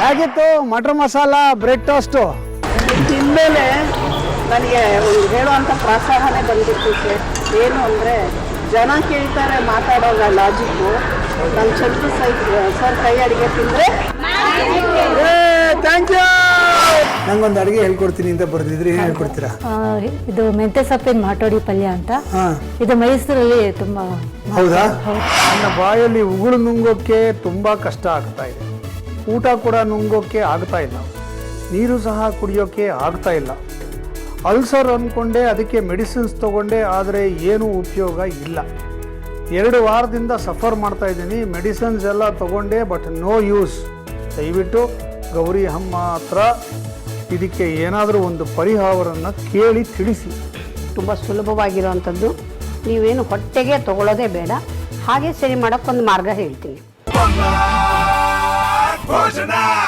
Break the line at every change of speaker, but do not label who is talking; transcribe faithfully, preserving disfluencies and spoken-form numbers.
ಹೇಗಿತ್ತು matar masala bread toast?
ತಿಂದಮೇಲೆ ನನಗೆ ಒಂದು ಹೇಳುವಂಥ ಪ್ರೋತ್ಸಾಹನೇ ಬಂದಿತ್ತು ಸರ್. ಏನು ಅಂದರೆ ಜನ ಕೇಳ್ತಾರೆ ಮಾತಾಡೋಲ್ಲ ಲಾಜಿಕ್ಕು. ನಮ್ಮ ಚಂದ್ರ ಸೈ ಸರ್ ಕೈ ಅಡುಗೆ ತಿಂದರೆ
ಥ್ಯಾಂಕ್ ಯು. ನಂಗೊಂದು ಅಡುಗೆ ಹೇಳ್ಕೊಡ್ತೀನಿ ಅಂತ ಬರ್ದಿದ್ರಿ, ಏನು ಹೇಳ್ಕೊಡ್ತೀರಾ?
ಇದು ಮೆಂತೆ ಸೊಪ್ಪಿನ ಮಾಟೋಡಿ ಪಲ್ಯ ಅಂತ.
ಹಾಂ,
ಇದು ಮೈಸೂರಲ್ಲಿ ತುಂಬ.
ಹೌದಾ? ನನ್ನ ಬಾಯಲ್ಲಿ ಉಗುಳು ನುಂಗೋಕ್ಕೆ ತುಂಬ ಕಷ್ಟ ಆಗ್ತಾ ಇದೆ. ಊಟ ಕೂಡ ನುಂಗೋಕ್ಕೆ ಆಗ್ತಾ ಇಲ್ಲ. ನೀರು ಸಹ ಕುಡಿಯೋಕ್ಕೆ ಆಗ್ತಾ ಇಲ್ಲ. ಅಲ್ಸರ್ ಅಂದ್ಕೊಂಡೆ, ಅದಕ್ಕೆ ಮೆಡಿಸಿನ್ಸ್ ತೊಗೊಂಡೆ, ಆದರೆ ಏನೂ ಉಪಯೋಗ ಇಲ್ಲ. ಎರಡು ವಾರದಿಂದ ಸಫರ್ ಮಾಡ್ತಾ ಇದ್ದೀನಿ. ಮೆಡಿಸಿನ್ಸ್ ಎಲ್ಲ ತೊಗೊಂಡೆ, ಬಟ್ ನೋ ಯೂಸ್. ದಯವಿಟ್ಟು ಗೌರಿ ಅಮ್ಮ ಹತ್ರ ಇದಕ್ಕೆ ಏನಾದರೂ ಒಂದು ಪರಿಹಾರವನ್ನು ಕೇಳಿ ತಿಳಿಸಿ.
ತುಂಬ ಸುಲಭವಾಗಿರೋವಂಥದ್ದು. ನೀವೇನು ಹೊಟ್ಟೆಗೆ ತಗೊಳ್ಳೋದೇ ಬೇಡ. ಹಾಗೆ ಸರಿ ಮಾಡೋಕ್ಕೊಂದು ಮಾರ್ಗ ಹೇಳ್ತೀನಿ.